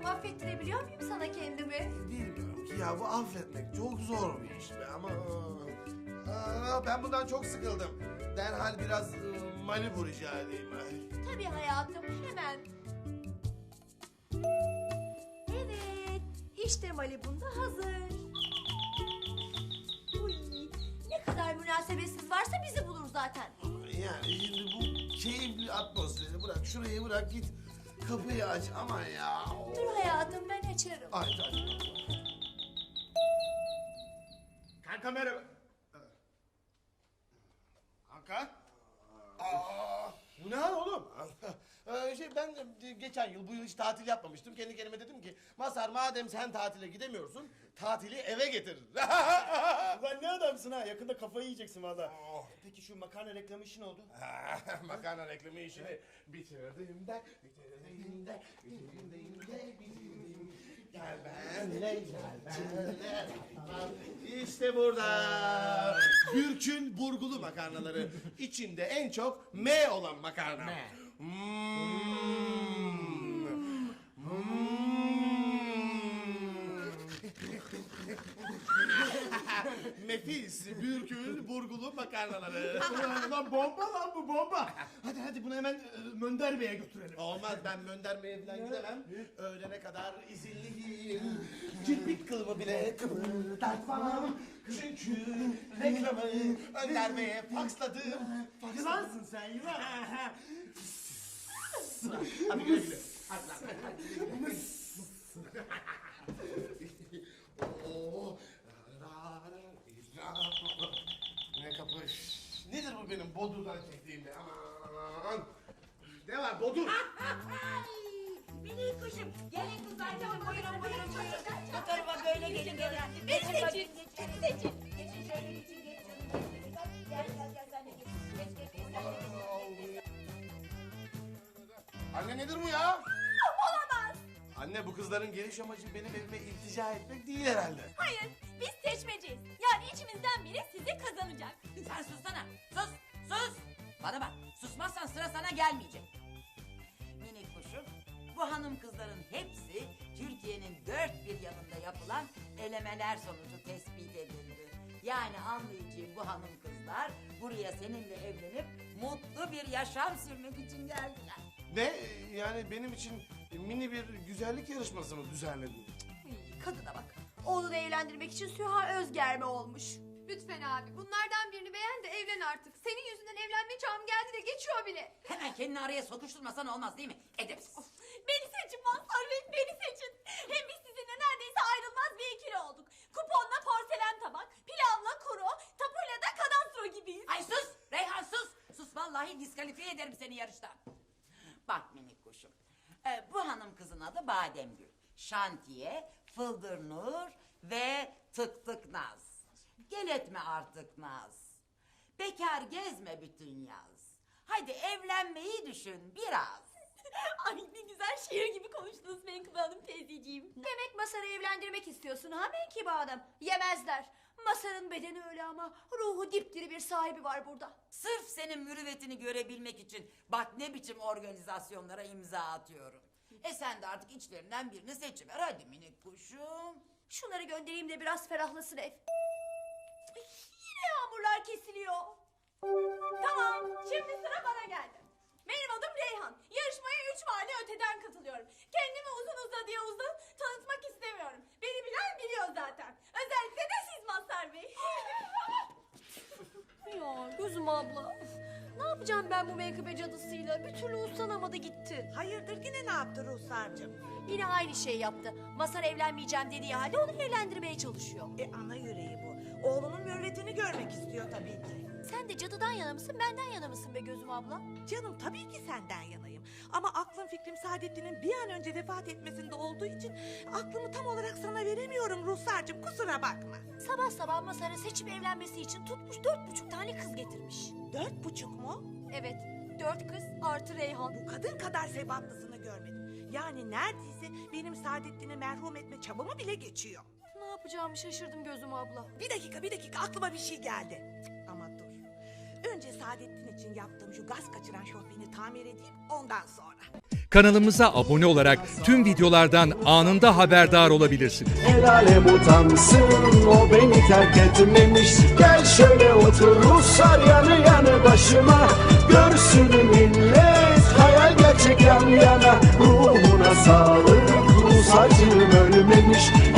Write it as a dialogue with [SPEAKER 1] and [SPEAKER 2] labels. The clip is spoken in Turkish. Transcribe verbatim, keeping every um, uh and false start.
[SPEAKER 1] Bakalım affettirebiliyor muyum sana kendimi?
[SPEAKER 2] Bilmiyorum ki ya, bu affetmek çok zor bir iş be ama... Aa, ben bundan çok sıkıldım. Derhal biraz e, Malibu rica edeyim. Ay.
[SPEAKER 1] Tabii hayatım, hemen. Evet, işte Malibu'm da hazır. Uy, ne kadar münasebetsiz varsa bizi bulur zaten.
[SPEAKER 2] Yani şimdi bu keyifli atmosferi bırak, şurayı bırak, git kapıyı aç ama ya.
[SPEAKER 1] Dur hayatım, ben açarım.
[SPEAKER 2] Ay, ay.
[SPEAKER 3] Kanka merhaba. Kanka? Aa, bu ne hal oğlum?
[SPEAKER 2] Ee, şey ben e, geçen yıl bu yıl hiç tatil yapmamıştım. Kendi kendime dedim ki Mazhar, madem sen tatile gidemiyorsun, tatili eve getir.
[SPEAKER 3] Ulan ne adamsın ha? Yakında kafayı yiyeceksin valla. Peki şu makarna reklamı işi ne oldu?
[SPEAKER 2] Makarna reklamı işini bitirdim de, bitirdim de, bitirdim de, bitirdim. Gel benimle, gel benimle. İşte burada. Gürk'ün burgulu makarnaları. İçinde en çok M olan makarna. M. Nefis Bürkül burgulu makarnaları.
[SPEAKER 3] Ulan, ulan bomba lan bu bomba. Hadi hadi bunu hemen e, Mönder Bey'e götürelim.
[SPEAKER 2] Olmaz, ben Mönder Bey'e falan gidemem. Öğlene kadar izinliyim. Kirpik kılımı bile kıpırdatmam. Çünkü reklamı Önder Bey'e faksladım.
[SPEAKER 3] Yılansın sen yılan.
[SPEAKER 2] Hadi güle güle. Hadi lan, hadi. Oo. Ne kapış. Nedir bu benim Bodur'dan çektiğim be? Aman. Ne var Bodur?
[SPEAKER 4] Minik kuşum, gelin kızlar, buyurun buyurun buyurun. Bu tarafa böyle gelin gelin.
[SPEAKER 1] Beni
[SPEAKER 4] Geçin
[SPEAKER 1] seçin,
[SPEAKER 4] bakayım,
[SPEAKER 1] beni
[SPEAKER 4] geçin.
[SPEAKER 1] seçin.
[SPEAKER 4] Geçin şöyle geçin, geç canım. Geç, geç. Gel gel gel sen de geç. Geç geç geç. Sen de geç.
[SPEAKER 2] Anne nedir bu ya?
[SPEAKER 1] Olamaz.
[SPEAKER 2] Anne, bu kızların geliş amacı benim evime iltica etmek değil herhalde.
[SPEAKER 1] Hayır, biz seçmeciyiz. Yani içimizden biri sizi kazanacak.
[SPEAKER 4] Sen sussana. Sus, sus. Bana bak, susmazsan sıra sana gelmeyecek. Minik kuşum, bu hanım kızların hepsi Türkiye'nin dört bir yanında yapılan elemeler sonucu tespit edildi. Yani anlayacağım, bu hanım kızlar buraya seninle evlenip mutlu bir yaşam sürmek için geldiler.
[SPEAKER 2] Ne? Yani benim için mini bir güzellik yarışması mı düzenledin?
[SPEAKER 1] Uy, kadına bak. Oğlunu evlendirmek için Süha Özgerme olmuş.
[SPEAKER 5] Lütfen abi, bunlardan birini beğen de evlen artık. Senin yüzünden evlenme çağım geldi de geçiyor bile.
[SPEAKER 4] Hemen kendini araya sokuşturmasan olmaz değil mi? Edepsiz.
[SPEAKER 1] Beni seçin Mazhar Bey, beni seçin. Hem biz sizinle neredeyse ayrılmaz bir ikili olduk. Kuponla porselen tabak, pilavla kuru, tapuyla da kadastro gibiyiz.
[SPEAKER 4] Ay sus Reyhan sus. Sus vallahi diskalifiye ederim seni yarıştan. Bak minik kuşum. Ee, bu hanım kızın adı Bademgül. Şantiye, Fıldır Nur ve Tık Tık Naz. Gel etme artık Naz. Bekar gezme bütün yaz. Hadi evlenmeyi düşün biraz.
[SPEAKER 1] Ay ne güzel şiir gibi konuştunuz Menkıbe Hanım teyzeciğim. Demek Masar'ı evlendirmek istiyorsun ha Menkıbe Hanım? Yemezler. Masar'ın bedeni öyle ama ruhu dipdiri bir sahibi var burada.
[SPEAKER 4] Sırf senin mürüvvetini görebilmek için bak ne biçim organizasyonlara imza atıyorum. E sen de artık içlerinden birini seçiver hadi minik kuşum.
[SPEAKER 1] Şunları göndereyim de biraz ferahlasın ev. Ay, yine yağmurlar kesiliyor. Tamam, şimdi sıra bana geldi. Benim adım Reyhan. Yarışmaya üç mahalle öteden katılıyorum. Kendimi uzun uzadıya uzun tanıtmak istemiyorum. Beni bilen biliyor zaten. Özellikle de siz Mazhar Bey. Ya gözüm abla. Ne yapacağım ben bu menkıbe cadısıyla? Bir türlü uslanamadı gitti.
[SPEAKER 6] Hayırdır yine ne yaptı Ruhsar'cığım?
[SPEAKER 1] Yine aynı şey yaptı. Mazhar evlenmeyeceğim dediği halde onu evlendirmeye çalışıyor.
[SPEAKER 6] E ana yüreği bu. Oğlunun mürvetini görmek istiyor tabii ki.
[SPEAKER 1] Sen de cadıdan yana mısın, benden yana mısın be gözüm abla?
[SPEAKER 6] Canım tabii ki senden yanayım. Ama aklım fikrim Saadettin'in bir an önce vefat etmesinde olduğu için aklımı tam olarak sana veremiyorum Ruhsar'cığım, kusura bakma.
[SPEAKER 1] Sabah sabah Mazhar'ı seçip evlenmesi için tutmuş dört buçuk tane kız getirmiş.
[SPEAKER 6] Dört buçuk mu?
[SPEAKER 1] Evet, dört kız artı Reyhan.
[SPEAKER 6] Bu kadın kadar sebatlısını görmedim. Yani neredeyse benim Saadettin'i merhum etme çabamı bile geçiyor.
[SPEAKER 1] Ne yapacağımı şaşırdım gözüm abla.
[SPEAKER 6] Bir dakika bir dakika aklıma bir şey geldi. Cık, ama dur. Önce Saadettin için yaptığım şu gaz kaçıran şofbeni tamir edeyim ondan sonra.
[SPEAKER 7] kanalımıza abone olarak tüm videolardan anında haberdar olabilirsiniz.
[SPEAKER 8] El alem utansın, o beni terk etmemiş. Gel şöyle otur Ruslar yanı yanı başıma. Görsün millet, hayal gerçek yan yana. Ruhuna sağlık, Rus acım ölmemiş.